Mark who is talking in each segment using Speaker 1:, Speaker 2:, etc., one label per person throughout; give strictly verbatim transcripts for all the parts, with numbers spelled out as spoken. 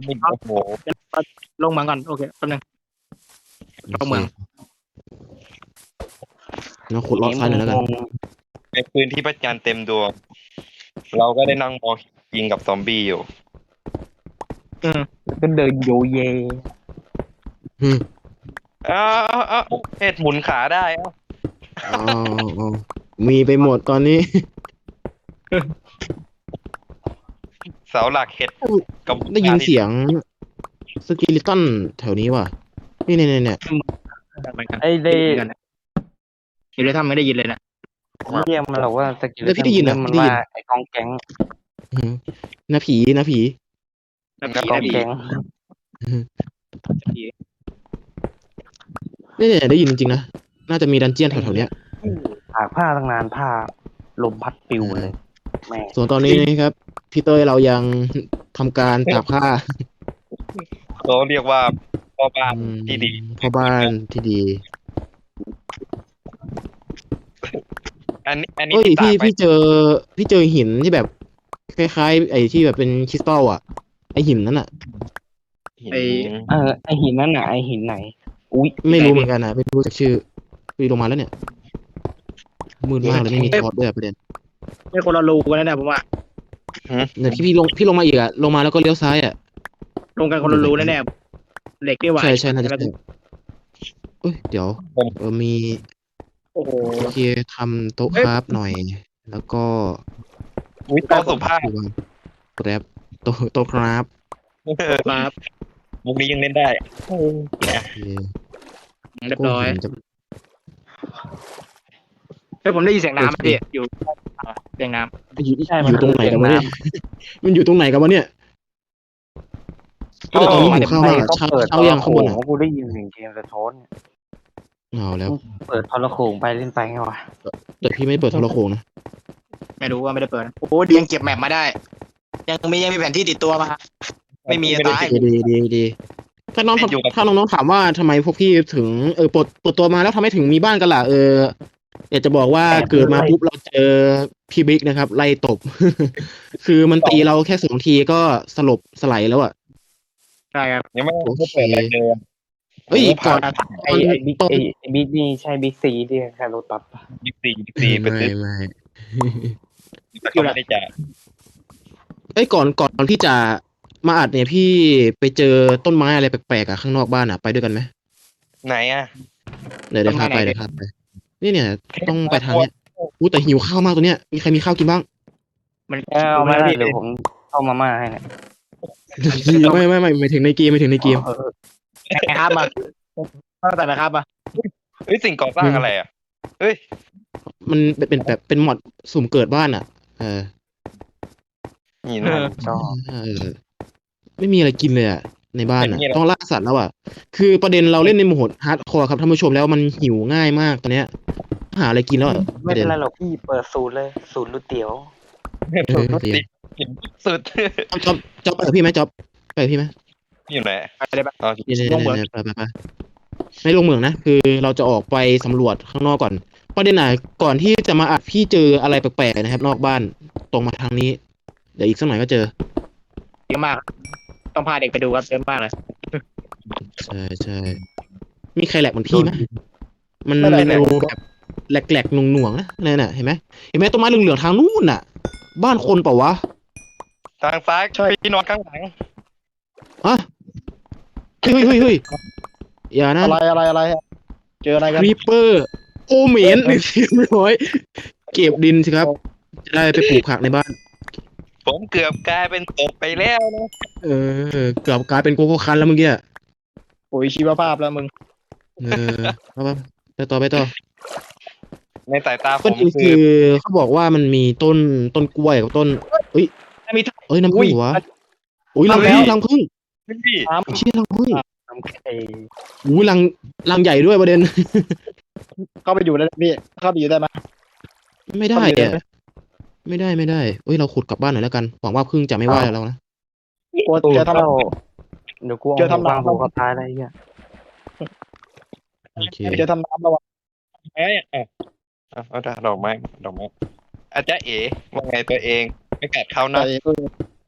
Speaker 1: นี่โอ้โห
Speaker 2: ลงเมืองก่อนโอเคแป๊บนึง เข้าเมือง
Speaker 3: เราขุดเลาะซ้ายหน่อยแล้วกัน
Speaker 1: ในพื้นที่พระจันทร์เต็มดวง เราก็ได้นั่งมองยิงกับซอมบี้อยู่
Speaker 2: อืม
Speaker 4: ก็เดินโยเย
Speaker 3: อืม
Speaker 1: อ้าวอ้าวเห็ดหมุนขาได้อ้าว
Speaker 3: อ๋ออ๋อมีไปหมดตอนนี้
Speaker 1: เสาหลักเห็ดกับ
Speaker 3: ได้ยินเสียงสกิลิตันแถวนี้ว่ะ นี่เนี่ยเนี่ย
Speaker 2: เหมือนกัน
Speaker 4: ไอ้เด
Speaker 2: เหมือนกันอยู่ในถ้ำไม่ได้ยินเลยนะ
Speaker 4: เรียกมันหรอกว่าสกิล
Speaker 3: แล้วพี่ได้ยินเหรอ
Speaker 4: มัน
Speaker 3: พี่ได้ยิ
Speaker 4: ว่าน ไอ้กองแก๊ง
Speaker 3: อืมนะผีนะผี
Speaker 2: นะ
Speaker 4: ก
Speaker 2: ผี
Speaker 4: อง
Speaker 2: นะผี
Speaker 4: แก๊ง
Speaker 2: ผี
Speaker 3: เนี่ยเนี่ยได้ยินจริงๆนะ น่าจะมีดันเจียนแถวๆเนี้ย
Speaker 4: หากผ้าตั้งนานผ้าลมพัดปิวเลยแม่ง
Speaker 3: ส่วนตอนนี้นะครับพี่เต้ยเรายังทำการตากผ้า
Speaker 1: เขาเรียกว่าพ่อบ้านที่ดี
Speaker 3: พ่อบ้านที่ดี
Speaker 1: อันนี้อันนี้
Speaker 3: เอ้ย
Speaker 1: ที่
Speaker 3: พี่
Speaker 1: ตากไป
Speaker 3: พี่เจอพี่เจอหินที่แบบคล้ายๆไอ้ที่แบบเป็นคริสตัลอ่ะ ไอ้หินนั้นอ่ะ
Speaker 2: ไอ้
Speaker 4: เออไอหินนั่นน่ะไอหินไหน อุ้ย
Speaker 3: ไม่รู้เหมือนกันนะไม่รู้จักชื่อพี่ลงมาแล้วเนี่ยมืดมากเลยไม่มีทอดด้วยอะประเด็น
Speaker 2: ไม่คนละรูกันนะเนี่ยผมว่า
Speaker 3: เนี่ยพี่พี่ลงพี่ลงมาอีกอ่ะลงมาแล้วก็เลี้ยวซ้ายอ่ะ
Speaker 2: ลงกันคนละรูแน่ๆเหล็กนี่หว่า
Speaker 3: ใช่ใช่น่าจะใช่เอ้ยเดี๋ยวเออมี
Speaker 2: โอ้โห
Speaker 3: โอเคทำโต๊ะคราฟหน่อย แล้วก็
Speaker 1: อุ้ยโตะสุภาพ
Speaker 3: ดูว่าแกร็บโต๊ะโต๊ะคราฟ
Speaker 2: ครับ
Speaker 1: มุกนี้ยังเล่นได้โอ้เนี่ย
Speaker 3: โอเค
Speaker 2: เรียบร้อย
Speaker 3: ก็หินจะ
Speaker 2: เฮ้ยผมได้ยินเสียงน้ำพี่อยู่เสียงน้
Speaker 3: อยู่อยู่ตรงไหนกันวะเนี่ยมันอยู่ตรงไหนกันวะเนี่ยแต่ตอนนี้หิวข้าวมากอะ
Speaker 4: ก็
Speaker 3: เช้า
Speaker 4: เปิด
Speaker 3: เช้ายังข้างบนอ่ะ
Speaker 4: กูได้ยินเสียงเกมสะท้อน
Speaker 3: เอาแล้ว
Speaker 4: เปิดทรโขงไปเล่นไปไงวะ
Speaker 3: แต่พี่ไม่เปิดโทรโขงนะ
Speaker 2: ำไม่รู้ว่าไม่ได้เปิดโอ้ดียังเก็บแมปมาได้ ยังมียังมีแผนที่ติดตัวมา ไม่มีตาย
Speaker 3: ดีดีดีดีถ้าน้องถ้าน้องๆถามว่าทำไมพวกพี่ถึงเออปลดปลดตัวมาแล้วทำไมถึงมีบ้านกันล่ะเอออยากจะบอกว่าเกิดมาปุ๊บเราเจอพี่บิ๊กนะครับ ไล่ตบ คือมันตีเราแค่สองทีก็สลบสไลด์แล้วอ่ะ
Speaker 2: ใช่ครับ
Speaker 1: ยังไม่ไม่เปิดอะไรเลยอะ
Speaker 3: เอ้ยก่อน
Speaker 4: ไอไอบิ๊กไอไอบิ๊กนี่ใช่บิ๊กซีที่แค่รถตัดปะ
Speaker 1: บิ๊กซีบิ๊กซีไป
Speaker 3: ไม่
Speaker 1: ซื้อ
Speaker 3: ไม่
Speaker 1: แต่ก็ไม่ได้จ่าย
Speaker 3: เอ้ยก่อนก่อนที่จะมาอัดเนี่ยพี่ไปเจอต้นไม้อะไรแปลกๆอ่ะข้างนอกบ้านอ่ะไปด้วยกันไหม
Speaker 1: ไหนอ่ะ
Speaker 3: เดี๋ยวเดี๋ยวพาไปเดี๋ยวพาไปนี่เนี่ย ต้องไปทางเนี้ยอู้แต่หิวข้าวมากตัวเนี้ยมีใครมีข้าวกินบ้าง
Speaker 2: มัน
Speaker 4: เอามาได้เดี๋ยวผมเข้ามาม่าให้เนี่ย
Speaker 3: ไม่ไม่ไม่ไม่ถึงในเกมไม่ถึงในเกม
Speaker 2: นะครับมาตั้งแต่นะครับมา
Speaker 1: เฮ้ยสิ่งก่อสร้างอะไรอ่ะเฮ้ย
Speaker 3: มันเป็นเป็นแบบเป็นหมอดสุ่มเกิดบ้านอ่ะ เออ
Speaker 1: นี่นะ
Speaker 4: ชอบ
Speaker 3: เออ ไม่มีอะไรกินเลยอ่ะในบ้านอ่ะต้องล่าสัตว์แล้วอ่ะคือประเด็นเราเล่นในโหมดฮาร์ดคอร์ครับท่านผู้ชมแล้วมันหิวง่ายมากตอนเนี้ยหาอะไรกินแล้วอะป
Speaker 4: ไม่
Speaker 3: ระเด็
Speaker 4: เป็น นไรหรอกพี่เปิดศูนย์เลยศูนย์ก๋วยเตี๋ยว
Speaker 3: เออเดี๋ยว
Speaker 1: สุด
Speaker 3: จ๊อบจ๊อบไปกับพี่ไหมจ๊อบไปกับพี่ไหม
Speaker 1: อยู่ไหน
Speaker 2: ไปเลยปะ
Speaker 1: อ๋อ
Speaker 3: เนี่ยเนี่ย
Speaker 2: ลงเหมือง
Speaker 3: เนี่ยไปไปไปไม่ลงเหมืองนะคือเราจะออกไปสำรวจข้างนอกก่อนประเด็นไหนก่อนที่จะมาอัดพี่เจออะไรแปลกๆนะครับ นอกบ้านตรงมาทางนี้ เดี๋ยวอีกสักหน่อยก็เจอ
Speaker 2: เยอะมาก ต้องพาเด็กไปดูครับเยอะมากเลย
Speaker 3: ใช่ใช่มีใครแหลกเหมือนพี่ไหมมัน
Speaker 2: ไม่
Speaker 3: เป็น
Speaker 2: แหลก
Speaker 3: ดูแบบแหลกๆหน่วงๆนะเนี่ยน่ะเห็นไหมเห็นไหมต้นไม้เหลืองๆทางนู้นน่ะ บ้านคนเปล่าวะ
Speaker 1: ทางซ้ายพี่นอนข้างหลัง
Speaker 3: อะเฮ้ยเฮ้ยเฮ้ยอย่านะ
Speaker 2: อะไรอะไรอะไรเจออะไร
Speaker 3: ค
Speaker 2: กัน
Speaker 3: รีปเปอร์โอเมนเรียบร้อยเก็บดินสิครับ จะได้ไปปลูกผักในบ้าน
Speaker 1: ผมเกือบกลายเป็นตกไปแล้วนะ
Speaker 3: เออเกือบกลายเป็นโกโก้คันแล้วเมื่อกี้อะ
Speaker 2: โอ้ยชีวภาพแล้วมึง
Speaker 3: เออเอาไปไปต่อไปต่อ
Speaker 1: ในสายตาผ
Speaker 3: ก็
Speaker 1: ม
Speaker 3: จริง
Speaker 1: คื
Speaker 3: คือ อเขาบอกว่ามันมีต้นต้นกล้วยกับต้นเอ้ย
Speaker 2: มี
Speaker 3: เอ้ยน้ำผึ้งเหรอวะอุ้ยรัง
Speaker 2: เอา
Speaker 3: ผึ้ง
Speaker 2: แล้ว
Speaker 3: รังผึ้ง
Speaker 1: พี่
Speaker 2: น้
Speaker 3: เชี่ยรังผึ้ง
Speaker 4: น้ำไข่
Speaker 3: อุ้ยรังรังใหญ่ด้วยประเด็น
Speaker 2: ำเข้าไปอยู่ได้พี่ เข้าไปอยู่ได้ไหม
Speaker 3: ไม่ได้อะไม่ได้ไม่ได้เอ้ยเราขุดกลับบ้านหน่อยแล้วกันหวังว่าผึ้งจะไม่ว่าเรานะ
Speaker 2: กลัว
Speaker 4: ตู
Speaker 2: เจ
Speaker 4: ด
Speaker 2: อทำ
Speaker 4: เข้าเดี๋ยวกู
Speaker 2: เจอ
Speaker 4: เอา
Speaker 2: ทำ
Speaker 4: บาง
Speaker 2: น้ำ
Speaker 4: หัวเขาตายอะไรเงี้ย
Speaker 3: โอเค
Speaker 2: เจอทำน้ำแล้ววะ
Speaker 1: ไม้อ่ะอ่ะเอาเอาดอกไม้ดอกไม้อาจารย์เอ๋ว่าไงตัวเองไม่กัดเข้านะ
Speaker 2: ใส่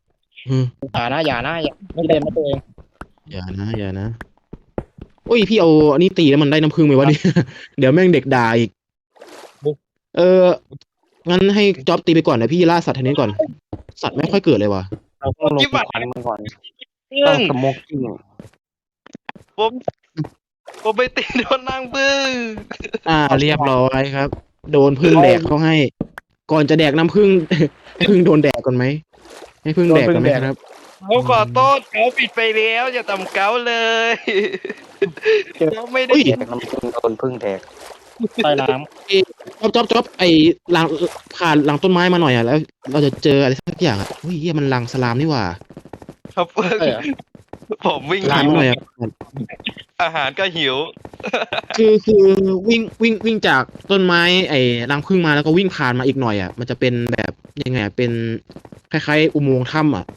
Speaker 3: อืม
Speaker 2: อย่านะอย่านะอย่าพี่เล่นนะตัวเอง
Speaker 3: อย่านะอย่านะโอ้ยพี่เอาอันนี้ตีแล้วมันได้น้ำผึ้งไหมวะเนี่ย เดี๋ยวแม่งเด็กด่าอีก เอองั้นให้จ็อบตีไปก่อนนะพี่ล่าสัตว์ทีนี้ก่อน สัตว์ไม่ค่อยเกิดเลยว่ะ
Speaker 4: เราต้องลง
Speaker 1: จิ๊บ
Speaker 4: ค
Speaker 1: อะ
Speaker 4: วันมันก่อน
Speaker 1: เรื่
Speaker 4: ต้
Speaker 1: อ
Speaker 4: อง งสโมกกิ้ง
Speaker 1: ผมผมไปตีโดนนางบึ้ง
Speaker 3: อ่าเรียบร้อยครับ โดนพึ่งแดกเขาให้ ก่อนจะแดกน้ำผึ้ง ให้พึ่งโดนแดกก่อนไหมให้พึ่งแดกก่อนไหมครับ
Speaker 1: เขาขอโทษเขาผิดไปแล้วอย่าทำเก้าเลยเขาไม่ได้
Speaker 3: อุ้ย
Speaker 4: แดกน้ำพึ่งโดนพึ่งแดก
Speaker 2: ใต้น้
Speaker 3: จ๊อบจ๊อบจ๊อบไอ้หลังผ่านหลังต้นไม้มาหน่อยอ่ะแล้ว เราจะเจออะไรสักอย่างอ่ะเฮ้ยเหี้ยมันลังสลามนี่หว่า
Speaker 1: ครับ
Speaker 2: ำใช่เหรอ
Speaker 1: ผมวิ่ง
Speaker 3: ผ่าน
Speaker 1: หิว
Speaker 3: มาหน่อยอ่ะ
Speaker 1: อาหารก็หิว
Speaker 3: คือคือวิ่งวิ่งวิ่งจากต้นไม้ไอ้รังผึ้งมาแล้วก็วิ่งผ่านมาอีกหน่อยอ่ะมันจะเป็นแบบยังไงอะเป็นคล้ายๆอุโมงค์ถ้ำอ่ะ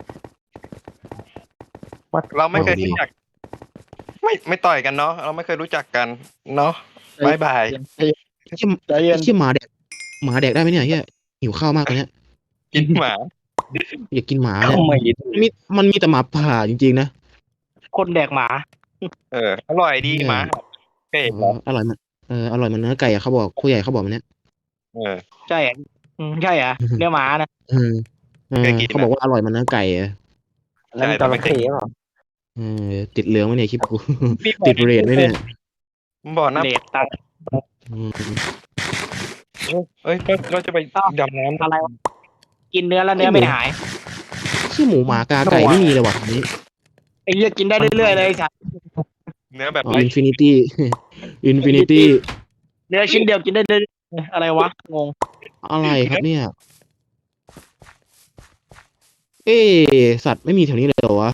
Speaker 1: เราไม่เคย
Speaker 3: เอาดี
Speaker 1: รู้จัก ไม่ไม่ต่อยกันเนาะเราไม่เคยรู้จักกันเนาะบายบาย
Speaker 3: ไอ้เชี่ย
Speaker 2: ใจเย็
Speaker 3: ไอ้
Speaker 2: น
Speaker 3: เชี่ยหมาแดกหมาแดกได้ไหมเนี่ยเฮียหิวข้าวมากตอนเนี้ย
Speaker 1: กินหมา
Speaker 3: อยากกินหมา
Speaker 4: เข้า
Speaker 3: เนี่ย
Speaker 4: ไม่
Speaker 3: มันมีมันมีแต่หมาป่าจริงๆนะ
Speaker 2: คนแดกหมา
Speaker 1: เอออร่อยดีหมาเคย
Speaker 3: เอ
Speaker 1: เห็นเหรอ
Speaker 3: ออร่อยมันเอออร่อยมันเนื้อไก่อะเขาบอกผู้ใหญ่เขาบอกมันเนี้ย
Speaker 1: เออ
Speaker 2: ใช่เหรออืมใช่เหรอเนื้อหมานะ
Speaker 3: เออเออ
Speaker 1: เคยกินนะ
Speaker 3: เขาบอกว่าอร่อยมันเนื้อไก่อะ
Speaker 4: แล้วมันจระเข้เปล่า
Speaker 3: เออติดเหลืองไหมเนี่ยคลิปกู
Speaker 1: พี่บอก
Speaker 3: ติดเรทไหมเนี่ย
Speaker 1: บอกนะ
Speaker 2: เดทตัง
Speaker 3: อืม
Speaker 1: เอ้ยก็ก็จะไปดำน้ำ
Speaker 2: อะไรวะกินเนื้อแล้วเนื้อไม่หาย
Speaker 3: ชื่อหมูหมากาไก่ไม่มีเลยว่ะอันนี้
Speaker 2: ไอ้เหี้ยกินได้เรื่อยๆเลยไอ้สัส
Speaker 1: เนื้อแบบ
Speaker 3: อ๋อ
Speaker 1: ไร้
Speaker 3: อินฟินิตี้ อินฟินิตี้
Speaker 2: เนื้อชิ้นเดียวกินได้เรื่อยๆอะไรวะงง
Speaker 3: อะไรครับเนี่ย เอ๊ะสัตว์ไม่มีแถวนี้เลยเหรอวะ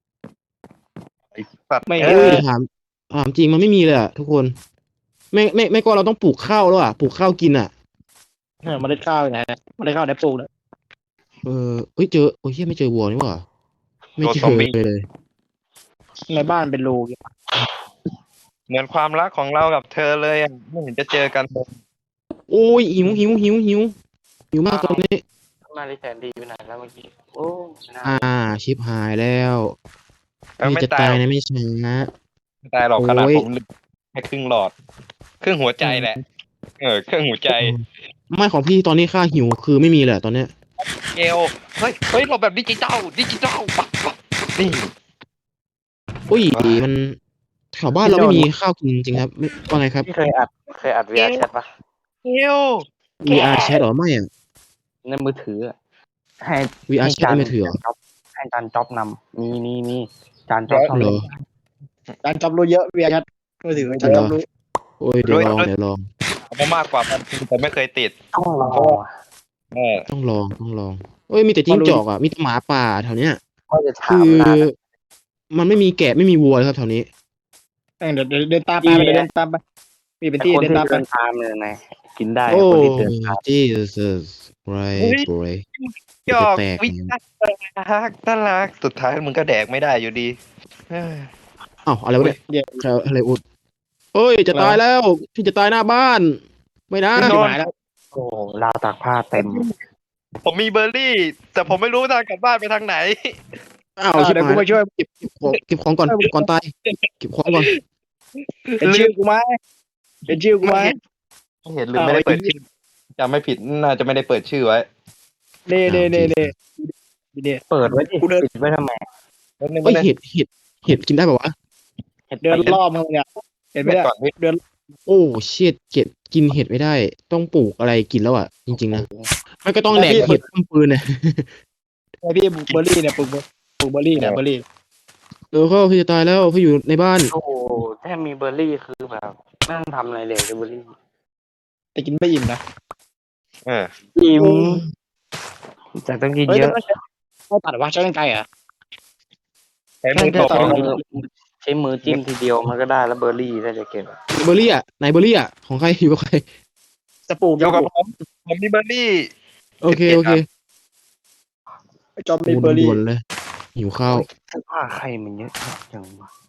Speaker 1: สัตว์
Speaker 2: ไม่
Speaker 1: เอ
Speaker 2: เอ
Speaker 3: เอ้
Speaker 1: อย
Speaker 3: ถามถามจริงมันไม่มีเลยอะทุกคน ไม่ไม่ไม่ก็เราต้องปลูกข้าวแล้วอะปลูกข้าวกินอะ
Speaker 2: เออเมาได้ข้าวอยู่ไหนนะเมาได้ข้าวได้ปลูกเลย
Speaker 3: เออเอ้ยเจอโอ้ยเหี้ยไม่เจอวัวนี่หว่าไม่เจอเลย
Speaker 2: ในบ้านเป็นรู
Speaker 1: เหมือนความรักของเรากับเธอเลยอ่ะไม่เห็นจะเจอกันเลย
Speaker 3: โอ้ยหิวหิวหิวหิวหิวมากตอนนี้
Speaker 4: มาเลยแสนดีไปไหนแล้วเมื่อกี้โอ้น่า
Speaker 3: อ่า ชิบหายแล้ว
Speaker 1: เออ
Speaker 3: ไม่
Speaker 1: ไม่
Speaker 3: จะ
Speaker 1: ตา
Speaker 3: ตาย ย
Speaker 1: หรอก
Speaker 3: นะไม่ช้า
Speaker 1: ไม่ตายหรอกขนาด
Speaker 3: โอ้ย
Speaker 1: ผมแค่ครึ่งหลอด ครึ่งหัวใจแหละ เออเครื่องหัวใจ
Speaker 3: ไม่ของพี่ตอนนี้ค่าหิวคือไม่มีเลยอะตอนเนี้ย
Speaker 1: เอลเฮ้ยเฮ้ยเราแบบดิจิตอลดิจิตอลปักปักนี่
Speaker 3: อุ้ยมันแถวบ้านเราไม่มีข้าวกินจริงๆครับไม่ว่าไงครับ
Speaker 4: พี่เคยอัดเคยอัด วี อาร์ แชทปะ
Speaker 1: เอล
Speaker 3: วี อาร์ Chat เหรอไม่อะ
Speaker 4: ในมือถืออะให้
Speaker 3: วี อาร์
Speaker 4: ให้
Speaker 3: Chat ไม่ถือเหรอ
Speaker 4: จ๊อบให้จานจ๊อบนำมีมีมีจานจ๊อบ
Speaker 3: เหรอ
Speaker 2: จานจอบรู้เยอะเวียชัดมือถือจานจอบรู้
Speaker 3: โอ้ยเดี๋ยวลองเดี๋ยวลอง
Speaker 1: เอามามากกว่าพันทีแต่ไม่เคยติด
Speaker 4: ต้องรอ
Speaker 1: เออ
Speaker 3: ต้องลองต้องลองเอ้ยมีแต่จิ้งจอกอ่ะมีแต่หมาป่าแถวเนี้ย
Speaker 4: ก็จะถา
Speaker 3: คื
Speaker 4: ม
Speaker 3: อ
Speaker 4: นาน
Speaker 3: มันไม่มีแกะไม่มีวัวเลยครับแถวนี้
Speaker 2: เออเดี๋ยวเดี๋ยวเดินตามไปเดินตามไปมีเป็น
Speaker 4: ไอ้
Speaker 2: ที่
Speaker 4: คน
Speaker 2: เดิน
Speaker 4: ที่
Speaker 2: ตามไป
Speaker 4: เดินตามเนี่ยนะกินได้
Speaker 3: โอ้
Speaker 4: คนที่เดินตาม
Speaker 3: Jesus right boy
Speaker 1: หยอก
Speaker 3: จะแตก
Speaker 1: วิน่ารักน่ารักสุดท้ายมึงก็แดกไม่ได้อยู่ดีเออ
Speaker 3: อ้าวอะไรวะเนี่ย
Speaker 2: เดี๋ยว
Speaker 3: ใครอะไรอุดเอ้ยจะตายแล้วพี่จะตายหน้าบ้าน ไม่นะ
Speaker 2: ชิบหายแล้ว
Speaker 4: โอ้ราวตากผ้าเต็ม
Speaker 1: ผมมีเบอร์รี่ แต่ผมไม่รู้ทางกลับบ้านไปทางไหน
Speaker 3: อ้าว
Speaker 2: เอา
Speaker 3: ชิบ
Speaker 2: เดี๋ยว
Speaker 3: หา
Speaker 2: กู
Speaker 3: ย
Speaker 2: มาช่วย
Speaker 3: เก็บเก็บของเก็บของก่อนก่อนตายเก็บของก่อน
Speaker 2: เป็นชื่อกูไหมเป็นชื่อกูไหม
Speaker 1: ไม่เห็นหรือไม่ได้เปิดชื่อจำไม่ผิดน่าจะไม่ได้เปิดชื่อไว้
Speaker 2: เน่เน่เน่เน่เน่
Speaker 4: เปิดไว้ดิ
Speaker 2: กูเดิน
Speaker 4: ปิดไว้ทำไม
Speaker 1: แล้วนึง
Speaker 3: เอ้ย
Speaker 1: ไม่ได้
Speaker 3: เห็ดเห็ดเห็ดกินได้ป่าวะ
Speaker 2: เดินรอบมึงเนี่ยเห็นไหมเนี่ย
Speaker 1: ก่อนพี่
Speaker 3: โอ้เชิดเก็ดกินเห็ดไม่ได้ ต้องปลูกอะไรกินแล้วอ่ะจริงๆนะไม่ก็ต้องแดกเห็ดต้มปืนเนี่ย
Speaker 2: ไอพี่ปลูกเบอร์รี่เนี่ยปลูกปลูกเบอร์รี่เนี่ยเบอร์รี่
Speaker 3: เออเขาพี่จะตายแล้วพี่อยู่ในบ้าน
Speaker 4: โอ้โหแค่มีเบอร์รี่คือแบบไม่ต้องทำอะไรเลยเบอร์รี่
Speaker 2: แต่กินไม่อิ่มนะ
Speaker 1: เออ
Speaker 4: อิ่มแต่ต้องกิน
Speaker 2: เฮ้ย
Speaker 4: เยอะ
Speaker 2: เขาตัดว่าใช้กันไกลอ่ะ
Speaker 1: ใช้มือตบ
Speaker 2: ต่
Speaker 4: ใช้
Speaker 2: อ
Speaker 4: มือใช้มือจิ้มทีเดียวมันก็ได้แล้วเบอร์รี่ถ้าจะเก็บอะ
Speaker 3: เบอร์รี่อ่ะไหนเบอร์รี่อ่ะของใครอยู่กับใคร
Speaker 2: จะปลูก
Speaker 1: เกี่ยวกับผมผมมีเบอร์รี่
Speaker 3: โอเคโอเค
Speaker 2: จอมมี
Speaker 3: โอ้
Speaker 2: เบอร์รี่
Speaker 3: ด่วนเลยหิวข้าว
Speaker 4: เสื้อผ้าใครมันเยอะจังวะ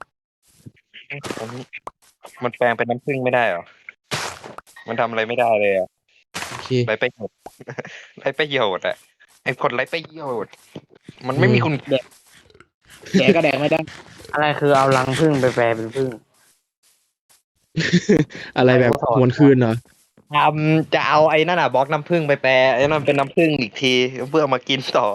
Speaker 1: มันแปลงเป็นน้ำผึ้งไม่ได้เหรอ มันทำอะไรไม่ได้เลยอ่ะ
Speaker 3: โอเค
Speaker 1: ไรประโยชน์ ไรประโยชน์อ่ะไอ้คนไร้ประโยชน์มันไม่มีคุณ
Speaker 2: แดกก็แดกไม่ได้
Speaker 4: อะไรคือเอารังผึ้งไปแปลเป็นผึ้ง
Speaker 3: อะไรแบบหวนคืนเหรอ
Speaker 1: ทำจะเอาไอ้นั่นอ่ะบล็อกน้ำผึ้งไปแปรไอ้นั่นเป็นน้ำผึ้งอีกทีเพื่อเอามากินต่อ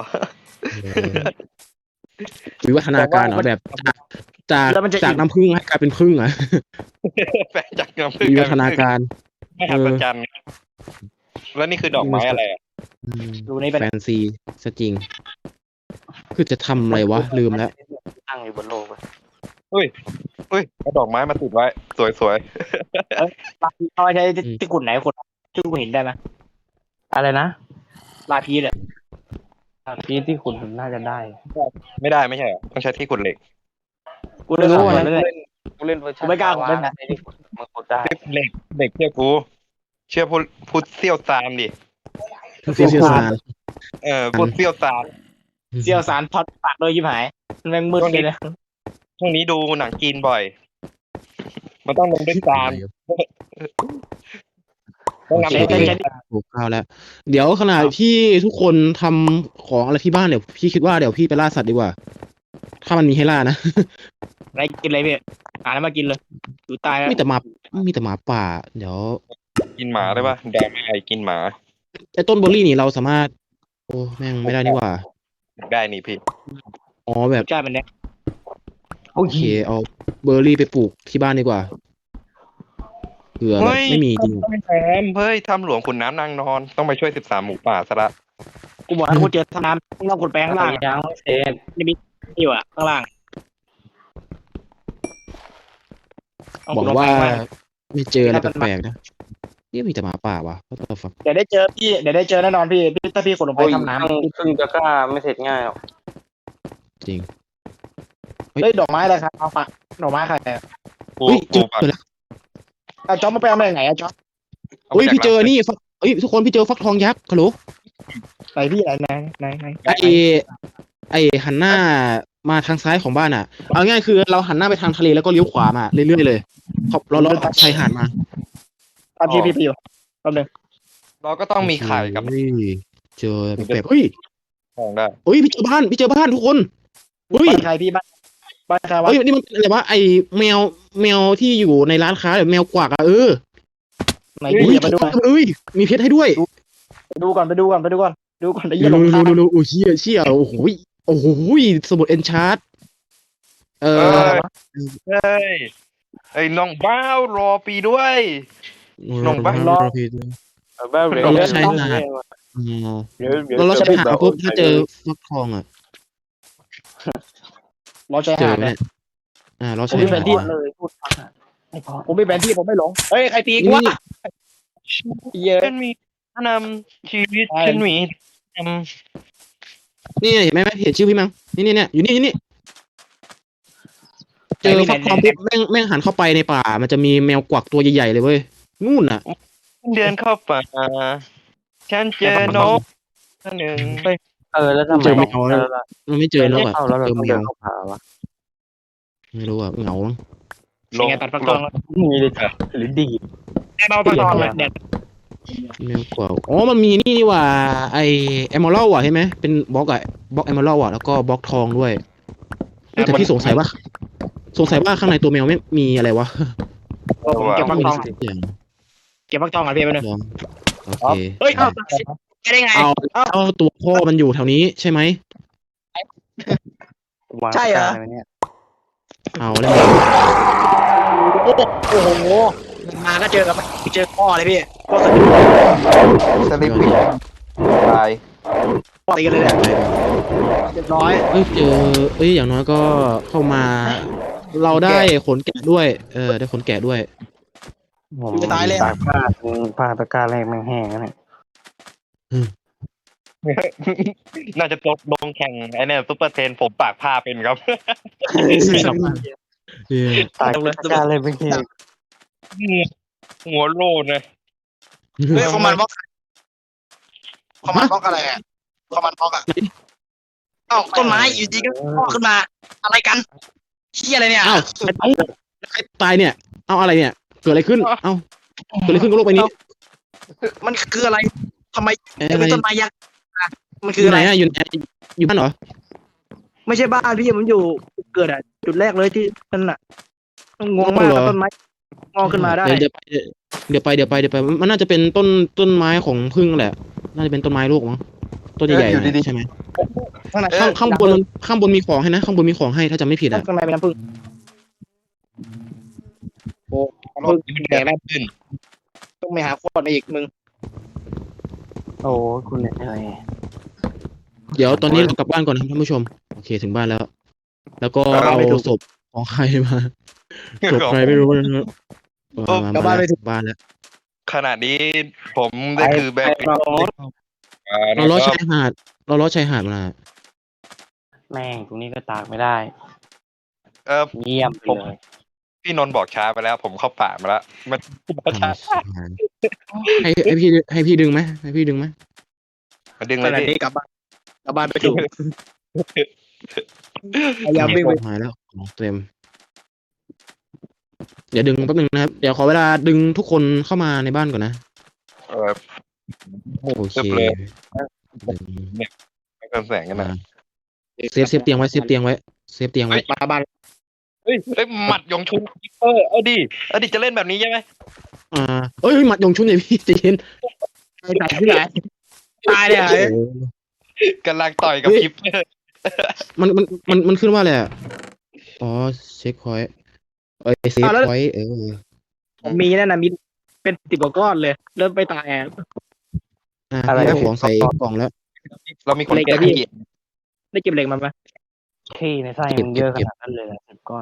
Speaker 3: วิวัฒนาการเหรอแบบจากจาก
Speaker 2: แล้วมันจะ
Speaker 3: จากน้ำผึ้งให้กลายเป็นผึ้งอ่ะ
Speaker 1: แปรจากน้ำผึ้ง
Speaker 3: วิวัฒนาการ
Speaker 1: ไม่หัศจรรย์แล้วนี่คือดอกไม้อะไรอ่ะ
Speaker 2: ดูนี่เป็น
Speaker 3: แฟนซีซะจริง คือจะทำอะไรวะ ลืมแล้ว
Speaker 4: ตั้งอยู่บนโลกอะ
Speaker 1: เฮ้ยเอาดอกไม้มาติดไว้ สวย
Speaker 2: เขาใช้ที่ขุดไหนขุดที่ขุดหินได้ไหม
Speaker 4: อะไรนะ
Speaker 2: ลาพีเลย
Speaker 4: ที่ที่คุณน่าจะได้
Speaker 1: ๆ ไม่ได้ไม่ใช่เหรอต้องใช้ที่ขุดเหล็ก
Speaker 2: กูไม่รู้
Speaker 4: กู
Speaker 2: อะไร
Speaker 4: เล่น
Speaker 2: เลย
Speaker 4: กูเล่นเวอร์ชัน
Speaker 2: กูไม่กล้าผมเล่นนะ
Speaker 4: ที่ขุดมันขุดได้
Speaker 1: เหล็กเหล็กเชื่อกู เชื่อพูดพูดเซี่ยวซามดิ
Speaker 3: เซียวซาน
Speaker 1: เออพูดเซี่ยวซาม
Speaker 2: เซียวสารทอดปากเลยยิบหายมันแม่งมืดเลยนะ
Speaker 1: ช่วงนี้ดูหนังจีนบ่อย มันต้องลงด้วยซามต้องนำ
Speaker 3: โอ
Speaker 1: เด็ก
Speaker 3: เค
Speaker 1: เล่น
Speaker 3: ถูกเข้าแล้ว เดี๋ยวขณะที่ทุกคนทำของอะไรที่บ้านเดี๋ยวพี่คิดว่าเดี๋ยวพี่ไปล่าสัตว์ดีกว่า ถ้ามันมีให้ล่านะ
Speaker 2: อะไรกินอะไรพี่หาแล้วมากินเลยดูตายแล้ว
Speaker 3: มีแต่หมามีแต่หมาป่า เดี๋ยว
Speaker 1: กินหมาได้ปะดราม่าไอ้กินหมา
Speaker 3: ไอ้ต้นเบอร์รี่นี่เราสามารถ โอ้แม่งไม่ได้นี่หว่า
Speaker 1: ได้นี่พี่
Speaker 3: อ๋อแบบ
Speaker 2: ใช่เป็นเนี้ย
Speaker 3: โอเคเอาเบอร์รี่ไปปลูกที่บ้านดีกว่าเผื่อแบบไม่มีจริง
Speaker 1: ไม่แถมเฮ้ยทำหลวงขุนน้ำนางนอน ต้องไปช่วยสิบสามหมูป่าซะละ
Speaker 2: กูบอกให้กูเจอท่าน้ำต้องขุดแปลงข้างล่าง
Speaker 4: ยังไม่เสร็จ
Speaker 2: อยู่อ่ะข้างล่าง
Speaker 3: บอกว่าไม่เจออะไรแปลกๆนะนี่มีแต่หมาป่าวะก็ตัวฟัง
Speaker 2: เดี๋ยวได้เจอพี่เดี๋ยวได้เจอแน่นอนพี่พี่ถ้าพี่ขุดลงไป
Speaker 4: โอ้ย
Speaker 2: ทำน้
Speaker 4: ครึ่งจะกล้าไม่เสร็จง่ายหรอก
Speaker 3: จริง
Speaker 2: ำเฮ้ยดอกไม้อะไรครับเอาปะดอกไม้ใครอะ
Speaker 1: ปู
Speaker 3: เฮ้ยเจ
Speaker 1: ปู
Speaker 3: อ
Speaker 1: ปัก
Speaker 3: เจอแล้ว
Speaker 2: เอาจ๊อบมาไปเอามาจากไหนอะจ๊อบ
Speaker 3: เฮ้ยพี่เจอนี่ฟักเฮ้ยทุกคนพี่เจอฟักทองยักษ์ฮัลโหล
Speaker 2: ไหนพี่ไหนไหนไหนไหน
Speaker 3: ไอไอหันหน้ามาทางซ้ายของบ้านอ่ะ เอาง่ายคือเราหันหน้าไปทางทะเลแล้วก็เลี้ยวขวามาเรื่อยๆเลยขอบเราเลาะชายหาดมา
Speaker 2: ตามพี่พี่ไปอยู่แป๊บนึง
Speaker 1: เราก็ต้องมีไข่กับ
Speaker 3: เฮ้ยเจอแบบเฮ้ย
Speaker 1: ทองได้
Speaker 3: เฮ้ยพี่เจอบ้านพี่เจอบ้านทุกคนเฮ้ย
Speaker 2: บ้านใครพี่บ้านบ้านใครวะ
Speaker 3: เฮ้ยนี่มันอะไรวะไอแมวแมวที่อยู่ในร้านค้าแบบแมวกวักอ่ะเออ
Speaker 2: ไหน
Speaker 3: เฮ้
Speaker 2: พี่
Speaker 3: ย
Speaker 2: อย่ามาดู
Speaker 3: เอ้ยมีเพชรให้ด้วย
Speaker 2: ไปดูก่อนไปดูก่อนไปดูก่อนดูก่อนได้
Speaker 3: ดู
Speaker 2: ยินหล
Speaker 3: ดู
Speaker 2: งทาง
Speaker 3: ดูดูโอ้เชี่ยเชี่ยโอ้โหโอ้โหสมุดเอนชาร์ตเอ
Speaker 1: เอ
Speaker 3: อ
Speaker 1: อเฮ้ยไอ้น้องบ้าวรอปีด้วย ลงบ้าน
Speaker 3: รอพี่
Speaker 4: แบบ
Speaker 3: เราไม่ใช่หาด อ๋อเราเราใช้หาปุ๊บถ้าเจอฟักทองอ่ะ
Speaker 2: รอใจ
Speaker 3: เจอ
Speaker 2: หาด
Speaker 3: ไหม
Speaker 2: เนี่
Speaker 3: เนี่ย ยอ่าเรา
Speaker 2: ผม
Speaker 3: ใช้
Speaker 2: มีแผ
Speaker 3: หาน ด
Speaker 2: ที่
Speaker 3: ว่ะ
Speaker 4: เลยพูดฟังอะไม่พอ
Speaker 2: ผมมีแผนที่ผมไม่หลงเฮ้ยใครตีกูวะ
Speaker 3: นี่
Speaker 2: เยอะ
Speaker 1: ฉันมีนำชีวิต
Speaker 2: ใช่
Speaker 1: ฉันมีน
Speaker 3: นี่เห็นไหมเห็นชื่อพี่มั้งนี่นี่เนี่ยอยู่นี่อยู่นี่เจอฟักทองปุ๊บแม่งแม่งหันเข้าไปในป่า มันจะมีแมวกวักตัวใหญ่ๆเลยเว้ยนู่นอ่ะ
Speaker 1: ำเดินเข้าป่าฉันเจอนกตัวหนึ่ง
Speaker 4: เออแล้วทำไม
Speaker 3: เจอแมว
Speaker 4: แล้ว
Speaker 3: มันไม่เจอแล้วอ่ะ
Speaker 4: เข้าแล้วเรา
Speaker 3: เจอ
Speaker 4: ต้อง
Speaker 3: แม
Speaker 4: เดิ
Speaker 3: วน
Speaker 4: เข้าผาวะ
Speaker 3: ไม่รู้อ่ะเหงามั้ง
Speaker 1: ลง
Speaker 2: ไงตัดฟักทอง
Speaker 4: มีเลยจ้ะหรือดีด
Speaker 2: เบาฟักทองเลยเด็ด
Speaker 3: แมวกวักอ๋อมันมีนี่นี่หว่าไอเอมเมอรัลอ่ะใช่ไหมเป็นบล็อกอะบล็อกเอมเมอรัลอ่ะแล้วก็บล็อกทองด้วยเฮ้ยแต่พี่สงสัยว่าสงสัยว่าข้างในตัวแมวไม่มีอะไรวะ
Speaker 2: ผมเก็บฟัก
Speaker 3: มี
Speaker 2: ทอง
Speaker 3: สักอย่าง
Speaker 2: เก็บฟักทองก่อนพี่ไปหนึ่ง
Speaker 3: ลองโอเค
Speaker 2: เฮ้ยเอาได้ไง
Speaker 3: เอาเอาตัวพ่อมันอยู่แถวนี้ใช่ไหม
Speaker 4: วาง
Speaker 2: ใช่เหรอ
Speaker 4: ตะกร้าไว้เนี่ย
Speaker 3: เอาแล้ว
Speaker 2: โอ้โหมาก็เจอกับเจอพ่อเลยพี่พ่อส
Speaker 1: สลิปปิ้งตาย
Speaker 2: พ่อตีกันเลยเนี่ยเรียบร้อย
Speaker 3: เอ้ยเจอเอ้ยอย่างน้อยก็เข้ามา เราได้ขนแกะด้วย เออได้ขนแกะด้วย
Speaker 4: ผม
Speaker 2: จะตายเลย
Speaker 4: ตากผ้าผ้าตะกร้าแรกแม่งแห้งแล้วเนี่ย
Speaker 1: น่าจะตกลงแข่งไอ้เนี่ยซุปเปอร์เทนผมปากผ้าเป็นครับ
Speaker 3: เออ
Speaker 4: ตากตะกร้าแรกแม่งแห้ง
Speaker 1: หัวโลนเลย
Speaker 2: เฮ้ยคอมมานด์บล็อกคอมมานด์บล็อกอะไรอ่ะคอมมานด์บล็อกอ่ะเอ้าต้นไม้อยู่ดีก็งอกขึ้นมา อะไรกันเชี่ยอะไรเนี่ย
Speaker 3: อ้าวเอ้าใครตายเนี่ย เอาอะไรเนี่ย เกิดอะไรขึ้น เอ้าเกิดอะไรขึ้นกับโลกใบนี้
Speaker 2: มันคืออะไรทำไม
Speaker 3: เอ้ย
Speaker 2: เป็นต้นไม้ยักษ์มัน
Speaker 3: อ
Speaker 2: คือยู่ อะ
Speaker 3: ไหน
Speaker 2: ไร
Speaker 3: อะอยู่ไหนอยู่บ้านเหรอ
Speaker 2: ไม่ใช่บ้านพี่มันอยู่เกิดอ่ะจุดแรกเลยที่นั่นน่ะงงมากต้นไม้งอกขึ้นมาได้
Speaker 3: เดี๋ยวเดี๋ยวไปเดี๋ยวไปเดี๋ยวไปมันน่าจะเป็นต้นต้นไม้ของพึ่งแหละ น่าจะเป็นต้นไม้ลูกมั้งต้นใหญ่ๆใช่ไหม
Speaker 2: ข้างใน
Speaker 3: ข้างข้างบนข้างบนมีของให้นะข้างบนมีของให้ถ้าจำไม่ผิดอะ
Speaker 2: ข้างในเป็นน้ำผึ้งโอ้
Speaker 1: รถมันแดงแล้วขึ้น
Speaker 2: ต้องไปหาขวดมาอีกมึง
Speaker 4: โอ้คุณเหนื่อย
Speaker 3: เดี๋ยวตอนนี้เรากลับบ้านก่อนนะครับท่านผู้ชมโอเคถึงบ้านแล้ว แล้วก็เอาศพของใครมาศพใครไม่รู้นะครับมามามาแล้วบ้านแล้ว
Speaker 1: ขณะนี้ผมได้คือแบ
Speaker 4: ไป
Speaker 1: บ
Speaker 4: รอรถ
Speaker 3: เราล้อชายหาดเราล้อชายหาดมา
Speaker 4: แม่งตรงนี้ก็ตากไม่ได้
Speaker 1: เออ
Speaker 4: เยี่ยมไปเลย
Speaker 1: พี่นนท์บอกช้าไปแล้ว ผมเข้าป่ามาแล้วมันช้า
Speaker 3: ให้ให้พี่ให้พี่ดึงไหมให้พี่ดึงไหม
Speaker 1: มาดึง
Speaker 2: ข
Speaker 1: เลย
Speaker 2: ณะ
Speaker 1: ดิ
Speaker 2: นี้กลับบ้านกลับบ้านไปถูกพยายามวิ่งไป
Speaker 3: หายแล้วของเต็มเดี๋ยวดึงแป๊บนึงนะครับเดี๋ยวขอเวลาดึงทุกคนเข้ามาในบ้านก่อนนะ
Speaker 1: เออ
Speaker 3: โอเค
Speaker 1: ตึบเลย
Speaker 3: ดึง
Speaker 1: ไม่เพิ่มแสงกันนะ
Speaker 3: เซฟเซฟเตียงไว้เซฟเตียงไว้เซฟเตียงไว้
Speaker 2: มาบ้าน
Speaker 1: เฮ้ยเฮ้ยหมัดยงชุนเออเอาดิเอาดิจะเล่นแบบนี้ใช่ไหม
Speaker 3: อ่าเอ้ยหมัดยงชุนเนี่ยพี่ใจเย็น
Speaker 2: ไปตัดที่ไหนตายเลยอ่ะ
Speaker 3: โอ้โห
Speaker 1: กำลังต่อยกับคิปเปอร์
Speaker 3: มันมันมันมันขึ้นว่าอะไรอ่ะอ๋อเช็คพอยต์เอ้ยเซฟพอยต์เออ
Speaker 2: ผมมีนั่นน่ะมีเป็นสิบกว่าก้อนเลย เริ่มไปตายอ่ะ
Speaker 3: อ่า
Speaker 4: อะไร
Speaker 3: พี่เอาของใส่กล่องแล้ว
Speaker 1: เรามีคน
Speaker 2: เล็ก
Speaker 1: แก้
Speaker 2: อะพี่
Speaker 1: ที่
Speaker 2: ได้เก็บเหล็กมาไหม
Speaker 4: ขี้ในไส้มันเยอะขนาดนั้นเลยสิบก้อน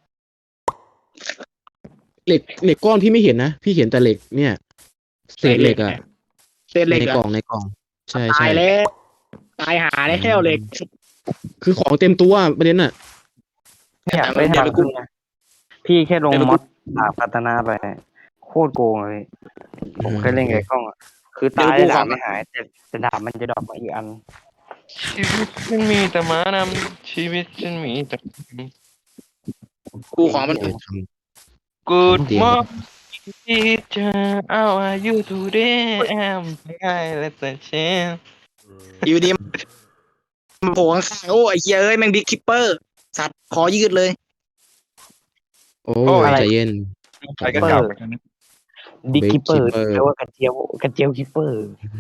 Speaker 3: เหล็กเหล็กก้อนพี่ไม่เห็นนะพี่เห็นแต่เหล็กเนี่ยเศษเหล็กอ่ะ
Speaker 2: เศษเหล็ก
Speaker 3: ใน
Speaker 2: อะ
Speaker 3: กล่องในกล่องใช่
Speaker 2: ตา
Speaker 3: ใช่
Speaker 2: ยแล้วตายหาได้แค่เหล็ก
Speaker 3: คือของเต็มตัวประเด็นอ่ะ
Speaker 4: ไม่อยากได้ทางขึ้นนะพี่แค่ลงมอดดาบพัฒนาไป โคตรโกงเลย ผมเคยเล่นกับไอ้กล้องอ่ะ คือตายแล้วดาบไม่หาย แต่แต่ดาบมันจะดรอปมาอีกอัน
Speaker 1: ชีวิตฉันมีแต่ม้านำชีวิตฉันมีแต่
Speaker 2: กูของมัน
Speaker 3: เออท
Speaker 1: Good
Speaker 3: เดี๋ยว
Speaker 1: morning teacher how are you today I'm fine let's change
Speaker 2: อยู่ดีมันโผล่ข้างๆโอ้ไอ้เหี้ยเอ้ยแม่งบิ๊กคิปเปอร์ สัตว์ขอยืดเลย
Speaker 3: ำโอ้
Speaker 1: โอ้
Speaker 3: ย
Speaker 1: ย
Speaker 3: ใจเย็น
Speaker 1: ใครก็เก่าเหมือนกันนะ
Speaker 4: ดิคิปเปอร์
Speaker 3: Keeper
Speaker 4: แปลว่ากระเจียวกระเจียวคิปเปอร์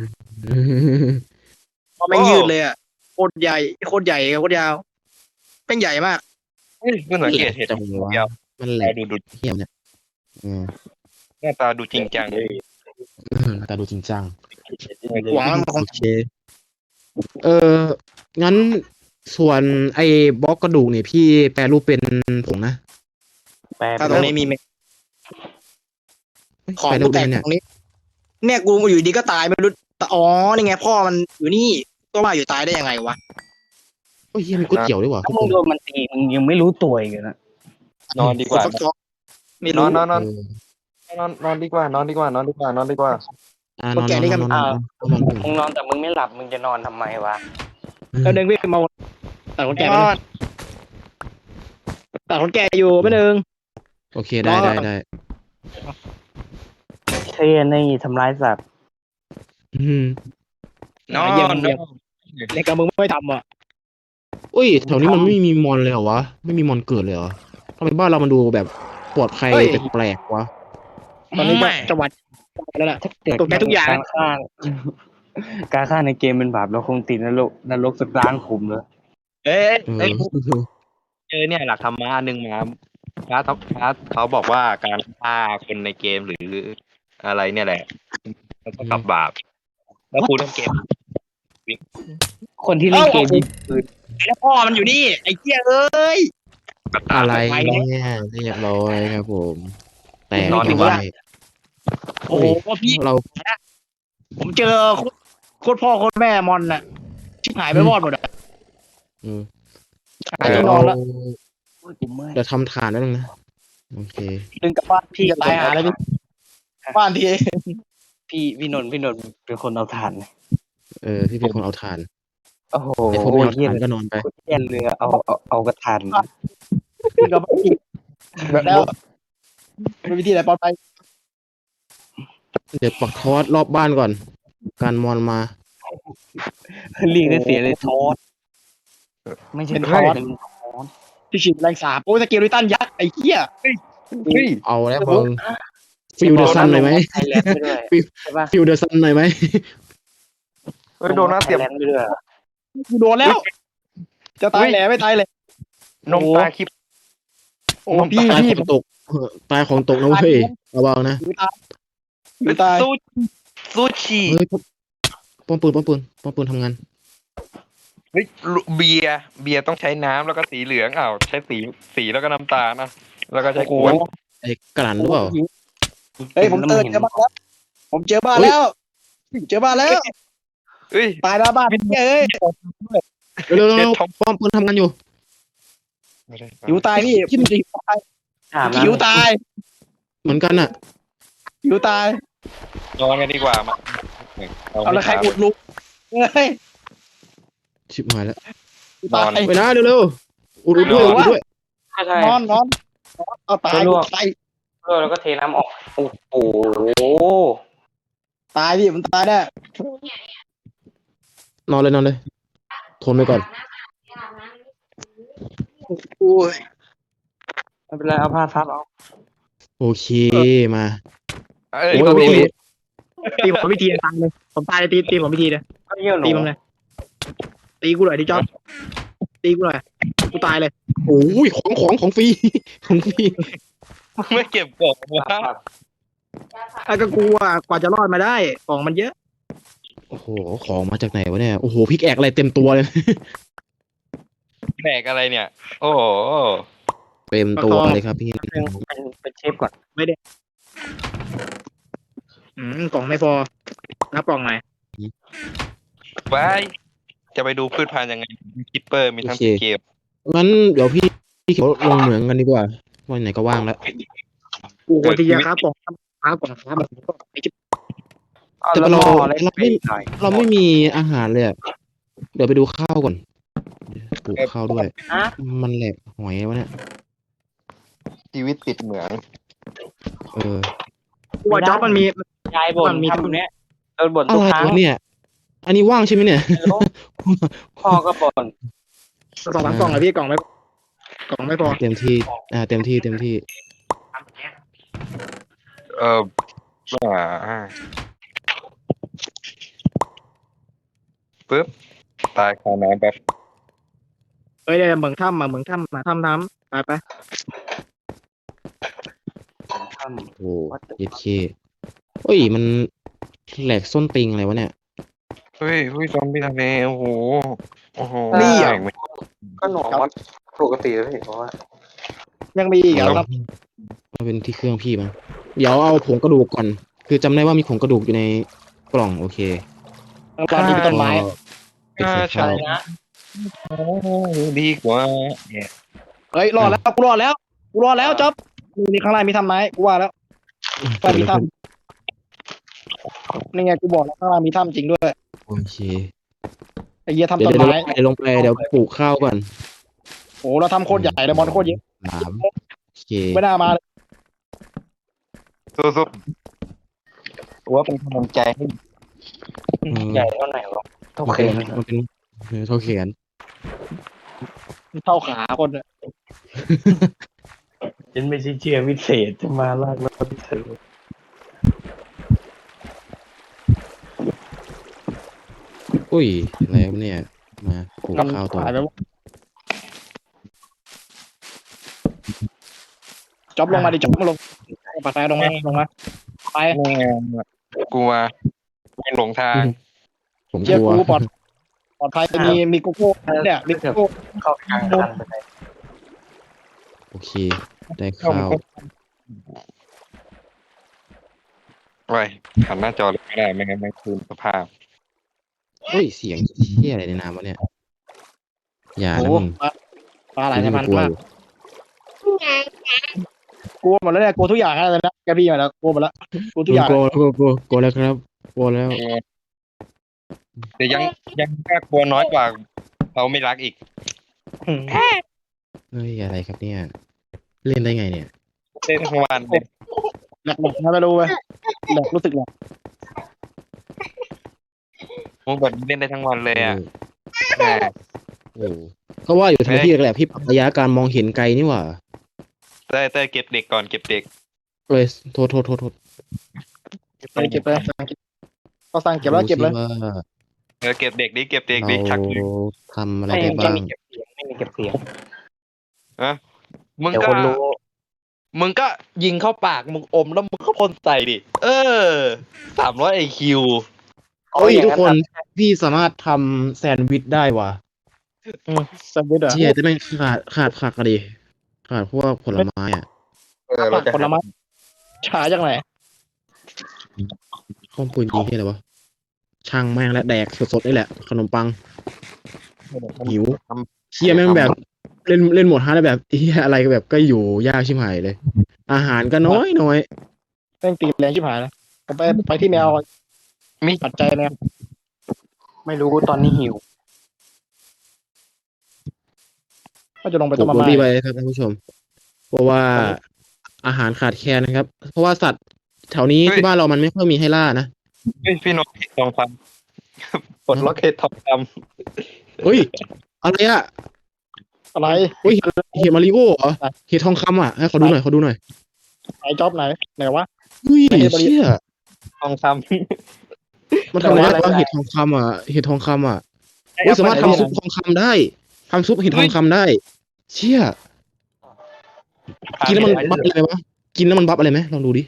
Speaker 2: เพราะแม่งยืดเลยอ่ะโคตรใหญ่โคตรใหญ่โคตรยาวแม่งใหญ่มาก
Speaker 1: เฮ้ยเพิ่งสังเกตเห็น
Speaker 3: จังหวะ
Speaker 1: เดียว
Speaker 3: มันแหล
Speaker 1: ตาก ดูดู
Speaker 3: เหี้ยเนี่ยอืม
Speaker 1: หน้าตาดูจริงจังเลย
Speaker 3: เออแต่ดูจริงจัง
Speaker 2: หวังมันค
Speaker 3: โอง เค เอองั้นส่วนไอ้บล็อกกระดูกเนี่ยพี่แปลรูปเป็นผงนะ
Speaker 4: แปล
Speaker 2: ถ้าตรงนี้มีไหม
Speaker 3: เฮ้ย
Speaker 2: ของ
Speaker 3: แปลรู
Speaker 2: กู
Speaker 3: ป
Speaker 2: แต
Speaker 3: ได้
Speaker 2: ก
Speaker 3: ไหมเนี่ย
Speaker 2: ตรงนี้ เนี่ยกูอยู่ดีก็ตายไม่รู้แต่อ๋อนี่ไงพ่อมันอยู่นี่ตัวมาอยู่ตายได้ยังไงวะ
Speaker 3: โอ้ยเหี้ยมีก๋วยเตี๋ยวด้วยว่ะ
Speaker 4: ถ้ามึงโดนมันตีมึงยังไม่รู้ตัวอีกนะ
Speaker 1: นอนดีกว่า
Speaker 2: ฟักทองไม่
Speaker 1: น
Speaker 2: รู้
Speaker 1: อนนอนนอน
Speaker 3: เออน
Speaker 1: อนนอนดีกว่านอนดีกว่านอนดีกว่านอนดีกว่า
Speaker 3: อ่านอนนอนนอนนอนนอนนอน
Speaker 4: มึงนอนแต่มึงไม่หลับมึงจะนอนทำไมวะ
Speaker 2: แล้วเดินวิ่งมาตัดคนแก่
Speaker 1: น
Speaker 2: ไป
Speaker 1: อน
Speaker 2: ตัดคนแก่อยู่ไม่หนึ่ง
Speaker 3: โอเคได้ได้ได้
Speaker 4: เช่นนี่ทำร้ายสัตว์
Speaker 3: อืม
Speaker 1: นอน
Speaker 2: เยี่ยม
Speaker 1: น
Speaker 2: เยี่ยม
Speaker 1: อน
Speaker 2: ในการมึงไม่ทำอ่ะ
Speaker 3: อุ้ยแถวนี้มันไม่มีมอนเลยเหรอวะไม่มีมอนเกิดเลยเหรอทำไมบ้านเรามันดูแบบปลอดภัยแปลกๆวะ
Speaker 2: ตอนนี้จังหวัดแล้วล่ะ ตกใจทุกอย่าง
Speaker 4: การฆ่าการฆ่าในเกมเป็นบาปเราคงติดนรกนรกสักล้านขุมเลย
Speaker 2: เอ๊ะ
Speaker 3: เออ
Speaker 2: เอ้ย
Speaker 1: เจอเนี่ยหลักธรรมะอันหนึ่งมาพระท็อปพระเขาบอกว่าการฆ่าคนในเกมหรืออะไรเนี่ยแหละมันเท่ากับบาป แล้วกูเล่นเกม
Speaker 4: คนที่เล่นเกมยิงปืน
Speaker 2: แล้วพ่อมันอยู่นี่ไอ้เหี้ยเอ้ย
Speaker 3: อะไรเนี่ยเรียบร้อยครับผม แต่
Speaker 1: นอนดีกว่า
Speaker 3: ไม่
Speaker 2: โอ้โหพี่
Speaker 3: เรา
Speaker 2: ผมเจอโคตรพ่อโคตรแม่มอนน่ะชิบหายไปวอดหมดอ่ะ
Speaker 3: เออ
Speaker 2: หายที่นอนแล้ว
Speaker 4: กูเมื่อย
Speaker 3: เดี๋ยวทำฐานแล้วนึงนะโอเค
Speaker 2: ดึงกลับบ้านพี่ก็ตายหาแล้วพี่บ้านที่
Speaker 4: พี่พี่นนท์พี่นนท์เป็นคนเอาถ่าน
Speaker 3: เออพี่เป็นคนเอาฐาน
Speaker 4: โอ้โห
Speaker 3: ไอ้พวกไม่เอา
Speaker 4: เยี่ย
Speaker 3: ฐานก็นอนไป
Speaker 4: เยี่ยนเรือเอาเอาเอากระถาน
Speaker 2: ดึงกลับบ้านพี่แล้วเป็นวิธีไหนปลอดภัย
Speaker 3: เดี๋ยวปักทอดรอบบ้านก่อน การมอนมา
Speaker 4: ลิงได้เสียเลยทอสไม่ใช่ทอส
Speaker 2: ที่ฉีดแรงสาบโอ้ยสเกลิตันยักษ์ไอ้เหี้ย
Speaker 1: เฮ้ย
Speaker 3: เอาแล้วมึงฟิลเดอร์ซันหน่อยไหม
Speaker 4: ไทยแลนด์ไปด้วยใช่ปะ
Speaker 3: ฟิลเดอร์ซันหน่อยไหม
Speaker 1: เฮ้ยโดนน้าเสียบ
Speaker 4: ไทยแลนด์ไปด้วย
Speaker 2: กูโดนแล้ว จะตายแหล่ไม่ตายเลย
Speaker 1: นมตาคลิป
Speaker 2: โอ้พี่
Speaker 3: ตาย
Speaker 2: พี่
Speaker 3: ของตกเออตายของตกนะเว้ยระวังนะ
Speaker 2: ไม่ตาย
Speaker 1: ซูซูชิ
Speaker 3: เฮ้ยป้อมปืนป้อมปืนป้อมปืนทำงาน
Speaker 1: เฮ้ยเบียร์เบียร์ต้องใช้น้ำแล้วก็สีเหลืองอ้าวใช้สีสีแล้วก็น้ำตาลนะแล้วก็ใช้ขวด
Speaker 3: ไอ้กลั่นหรือเปล่า
Speaker 2: เฮ้ยผมเจอเจอบ้านแล้วผมเจอบ้านแล้วเจอบ้านแล้ว
Speaker 1: เฮ้ย
Speaker 2: ตายแล้วบ้านเอ้ย
Speaker 3: เร็วๆ
Speaker 1: เจ็ด
Speaker 3: เร็ว
Speaker 1: ทอง
Speaker 3: ๆป้อมปืนทำงานอยู่
Speaker 2: หิวตายพี่หิวตาย
Speaker 4: ถาม
Speaker 2: หิวตาย
Speaker 3: เหมือนกันอ่ะ
Speaker 2: หิวตาย
Speaker 1: นอนกันดีกว่ามา
Speaker 2: เอาละใครอุดลุกเฮ้ย
Speaker 3: ชิบหายแล้ว
Speaker 2: ตาย
Speaker 3: ไปนะเร็วๆอุดอุดด้วยอุดด้วย
Speaker 4: ใช่
Speaker 2: นอนนอนเอาตายตาย
Speaker 4: แล้วก็เทน้ำออกโอ้โห
Speaker 2: ตายพี่มันตายแน่
Speaker 3: นอนเลยนอนเลย ทนไปก่อน
Speaker 2: โอ้ย
Speaker 4: ไม่เป็นไรเอาผ้าซับเอา
Speaker 3: โอเคมา
Speaker 1: เอ้ย
Speaker 3: โอ้ย
Speaker 1: ก็
Speaker 3: โอ้
Speaker 1: พี่
Speaker 3: ย
Speaker 2: ตีผมพิธีตายเลยผมตายเลยตีตีผมพิธีเลย
Speaker 4: ก็เยี่ยวหนู
Speaker 2: ตีผมเลยตีกูหน่อยดิจ๊อบตีกูหน่อยกูตายเลย
Speaker 3: โอ้ยของของของฟรี ของฟรี
Speaker 1: ไม่เก็บกล่องวะ
Speaker 2: ไอ้ก็กูอ่ะกว่าจะรอดมาได้ของมันเยอะ
Speaker 3: โอ้โหของมาจากไหนวะเนี่ยโอ้โหพิกแอกอะไรเต็มตัวเลย
Speaker 1: แบกอะไรเนี่ย โอ้โห
Speaker 3: เต็มตัวเลยครับพี่
Speaker 4: เป็นเป็นเป็นเชฟก่อน
Speaker 2: อืมกล่องไม่พอนับกล่องหน่อย
Speaker 1: ไปจะไปดูพืชพันธุ์ยังไงมีคิปเปอร์มีทั้งเกม
Speaker 3: งั้นเดี๋ยวพี่พี่เขียวลงเหมืองกันดีกว่าวันไหนก็ว่างแล้ว
Speaker 2: กูควรที่จะครับกล่องครับกล่องครับแบบไอ้จิ๊บ
Speaker 4: เอา
Speaker 3: แต่
Speaker 4: แล้ว
Speaker 3: เรา
Speaker 4: หม้ออะไร
Speaker 3: เรา
Speaker 4: ไป
Speaker 3: ไม่
Speaker 4: หน่อย
Speaker 3: เราไม่มีอาหารเลยอะเดี๋ยวไปดูข้าวก่อนปลูกข้าวด้วย
Speaker 4: ฮะ
Speaker 3: มันแหลกหอยวะเนี่ย
Speaker 1: ชีวิตติดเหมือง
Speaker 3: เออ
Speaker 2: กูว่าจ๊อบมันมี
Speaker 4: ยายบ่น
Speaker 2: มันมี
Speaker 4: ทำเนี้ยโดนบ่น
Speaker 3: อะ
Speaker 4: ทุก
Speaker 3: ไร
Speaker 4: ครั้ง
Speaker 3: วะเนี่ย อันนี้ว่างใช่ไหมเนี่ย
Speaker 4: พ่อก็บ่น
Speaker 2: สองสามกล่องเลยพี่กล่องไม่กล่องไม่พอ
Speaker 3: เต็มที่ อ่า เต็มที่เต็มที่
Speaker 1: เอออ่าปึ๊บตายคาน้ำแบบ
Speaker 2: เอ้ยเดี๋ยวเหมืองถ้ำมาเหมืองถ้ำมาถ้ำน้ำไปไป
Speaker 4: ทำ
Speaker 3: โอ้เย็ดเคเฮ้ย มันแหลกส้นติงอะไรวะเนี่ย
Speaker 1: เฮ้ยเฮ้ยซอมบี้ทะเลโอ้โหโอ้โห
Speaker 2: นี่อ่ะ
Speaker 1: แม่งไม่
Speaker 4: ก็หนูว่าปกติแล้วพี่เพราะว่า
Speaker 2: ยังมีอีกเหรอครับ
Speaker 3: มันเป็นที่เครื่องพี่มั้งเดี๋ยวเอาผงกระดูกก่อน คือจำได้ว่ามีผงกระดูกอยู่ในกล่องโอเค
Speaker 2: ตอนนี้เป็นต้นไม้
Speaker 3: ก็ไปใส่
Speaker 4: อะไร
Speaker 3: ข้าว
Speaker 4: นะ
Speaker 1: โอ้ดีกว่าเนี่ย
Speaker 2: เฮ้ยรอดแล้วกูรอดแล้วกูรอดแล้วจ๊อบมีข้างล่างมีทำไม้กูว่าแล้วข้างล่างมีถ้ำนี่ไงกูบอกแล้วข้างล่างมีถ้ำจริงด้วย
Speaker 3: โอเค
Speaker 2: ไอ้เหี้ยทำ
Speaker 3: เดี๋ยว
Speaker 2: ต้น
Speaker 3: เดี๋ยว
Speaker 2: ไม้
Speaker 3: เดี๋ยวลงไปเดี๋ยวปลูกข้าวก่อน
Speaker 2: โอ้เราทำโคตรใหญ่เลยมอนโคตรเยอะ
Speaker 3: สามโอเค
Speaker 2: ไม่น่ามาเลย
Speaker 1: สู้ๆว่าเป็นกำลังใจให้
Speaker 3: อืม
Speaker 4: ใหญ่เท่าไหร่วะโอ
Speaker 3: มัน
Speaker 4: เค
Speaker 3: เป็นมันเป็นเออเท่าแขน
Speaker 2: เท่าขาคนอะ
Speaker 4: ฉันไม่ใช่เชื่อวิเศษจะมาลากรถเธอ
Speaker 3: อุ้ยอะไรวะเนี่ย มาปลูกข้าวต่อ
Speaker 2: หายไปวะจ๊อบลงมาดิจ๊อบมาลงปัดไฟลงมาลงมาไป
Speaker 1: แม่งกลัวไม่หลงทาง
Speaker 3: ผม
Speaker 2: เชีย
Speaker 3: ก
Speaker 2: ร์
Speaker 3: ลัว
Speaker 2: กูปลอดปลอดภัยมีมีโกโก้เนี่ยมีโกโก้
Speaker 4: เข้ากลางกันไปเลย
Speaker 3: โอเค ได้ข้าว
Speaker 1: ไว้หันหน้าจอเลยไม่ได้ไม่งั้นไม่คืนสภาพ
Speaker 3: เฮ้ย เสียงเชี่ยอะไรในน้ำวะเนี่ย อย่า
Speaker 2: โอ้
Speaker 3: นะมึง
Speaker 2: ปลาปลาไหลใน
Speaker 3: นี่
Speaker 2: พัน
Speaker 3: กลัว
Speaker 2: มาก
Speaker 3: อยู่
Speaker 2: กลัวหมดแล้วเนี่ยกลัวทุกอย่างแล้วนะแกพี่มาแล้วกลัวหมดแล้วกลัวทุกอย่าง
Speaker 3: กลัวกลัวกลัวกลัวแล้วครับกลัวแล้ว
Speaker 1: แต่ยังยังน่ากลัวน้อยกว่าเขาไม่รักอีก
Speaker 2: อืม
Speaker 3: เฮ้ย อะไรครับเนี่ย เล่นได้ไงเนี่ย
Speaker 1: เล่นทั้งวันเลย
Speaker 2: แหลกหมดนะไม่รู้เว้ยแหลกรู้สึกแหลก
Speaker 1: มุกแบบนี้เล่นได้ทั้งวันเลยอ่ะแหม
Speaker 3: เออก็ว่าอยู่ทำไม
Speaker 1: เฮ้ย
Speaker 3: พี่แหละพี่ปรับระยะการมองเห็นไกลนี่หว่า
Speaker 1: เต้ยเต้ยเก็บเด็กก่อนเก็บเด็ก
Speaker 3: เลยโทษโทษโทษโทษ
Speaker 2: ไปเก็บไปก็สั่งเก็บแล้วเก็บเลย
Speaker 3: ดูสิว่า
Speaker 1: เออเก็บเด็กดิเก็บเด็ก
Speaker 3: เรา
Speaker 1: ดิชักดิ
Speaker 3: ทำอะไร
Speaker 4: ไม่
Speaker 3: ได้
Speaker 4: ไม่
Speaker 3: บ้าง
Speaker 4: มีเก็บเสียงไม่มีเก็บเสียง
Speaker 1: ฮะมึง
Speaker 4: เดี๋ยว
Speaker 1: ก็
Speaker 4: คนรู้
Speaker 1: มึงก็ยิงเข้าปากมึงอมแล้วมึงก็พ่นใส่ดิเออสามร้อยไอคิว
Speaker 3: เอ้ยทุกคนพี่สามารถทำแซนด์วิชได้ว่ะ
Speaker 2: อืมสวิตอ่ะ
Speaker 3: เชี่ยแต่ไม่งขาดขาดขาดกันดิขาดพวกผลไม้อ่ะ
Speaker 1: เออเราจะ
Speaker 2: ผลไม้ชาจากไหน
Speaker 3: ข้อมปืนยิงที่อะไรวะช่างแม่งและแดกสดๆนี่แหละ ขนมปัง หิว เชี่ยแม่งแบบเล่นเล่นโหมดฮาร์ดแล้วแบบเฮียอะไรก็แบบก็อยู่ยากชิบหายเลย อาหารก็น้อยน้อย
Speaker 2: แม่งตีแรงชิบหายนะผมไปไปที่แมว
Speaker 1: มี
Speaker 2: ปัจจัยแมว
Speaker 4: ไม่รู้ตอนนี้หิว
Speaker 2: ก็จะลงไป
Speaker 3: ปลู
Speaker 2: ต้
Speaker 3: ก
Speaker 2: น
Speaker 3: โร
Speaker 2: ไม้
Speaker 3: ดี้ไปครับท่านผู้ชม เพราะว่าอาหารขาดแคลนนะครับ เพราะว่าสัตว์แถวนี้ที่บ้านเรามันไม่ค่อยมีให้ล่านะ
Speaker 1: เฮ้ยพี่นกเห็ดทองคำปลดล็อกเห็ดทองค
Speaker 3: เฮ้ยอะไรอะ
Speaker 2: อะไร
Speaker 3: เฮ้ยเห็ดมาริโอเหรอเห็ดทองคำอ่ะให้เขาดูหน่อยเขาดูหน่อย
Speaker 2: ไหนจ็อบไหนไหนวะ
Speaker 3: เฮ้ย
Speaker 2: ไม่ใช่มาริ
Speaker 3: เชี่ย
Speaker 1: ำทองค
Speaker 3: มันทำอะไร
Speaker 2: แต่ว่า
Speaker 3: บ้างเห็ดทองคำอ่ะเห็ดทองคำอ่ะเฮ้ยสามารถทำซุปทองคำได้ทำซุปเห็ดทองคำได้ เชี่ย
Speaker 1: ำ
Speaker 3: กินแล้วมันบัฟอะไรวะกินแล้วมันบัฟอะไรไหมลองดูดิ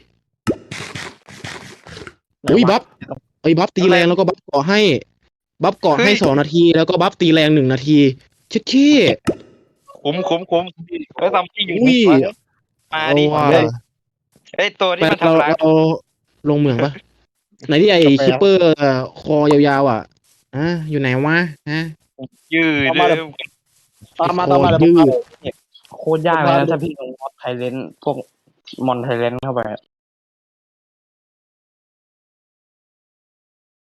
Speaker 2: ไหน
Speaker 3: อุ้ยว
Speaker 2: ะ
Speaker 3: บัฟไอ้ยบัฟตีแรงแล้วก็บัฟเกาะให้ บัฟเกาะให้สองนาทีแล้วก็บัฟตีแรงหนึ่งนาทีเช็ดขี้
Speaker 1: คุ้มคุ้มคุ้มเฮ้ยทำที่อยู่
Speaker 3: อุ้ย
Speaker 1: มา
Speaker 3: เอา
Speaker 1: ดิ
Speaker 3: ว่ะ
Speaker 1: เฮ้ยเฮ้ยตัวที่
Speaker 3: ไป
Speaker 1: มัน
Speaker 3: เรา
Speaker 1: ทำร้าย
Speaker 3: เราลงเมืองปะไหนที่ไอ้คิปเปอร์คอยาวๆอ่ะอ่ะอยู่ไหนวะฮะ
Speaker 1: ยืด
Speaker 2: เอามา
Speaker 1: เล
Speaker 2: เลย ย ตามมาตามมาเลย
Speaker 3: โคตรยืด
Speaker 2: ผมพาไป
Speaker 4: โคตรยากเลยนะถ้าพี่ลงมอดไทเลนพวกมอนไทเลนเข้าไป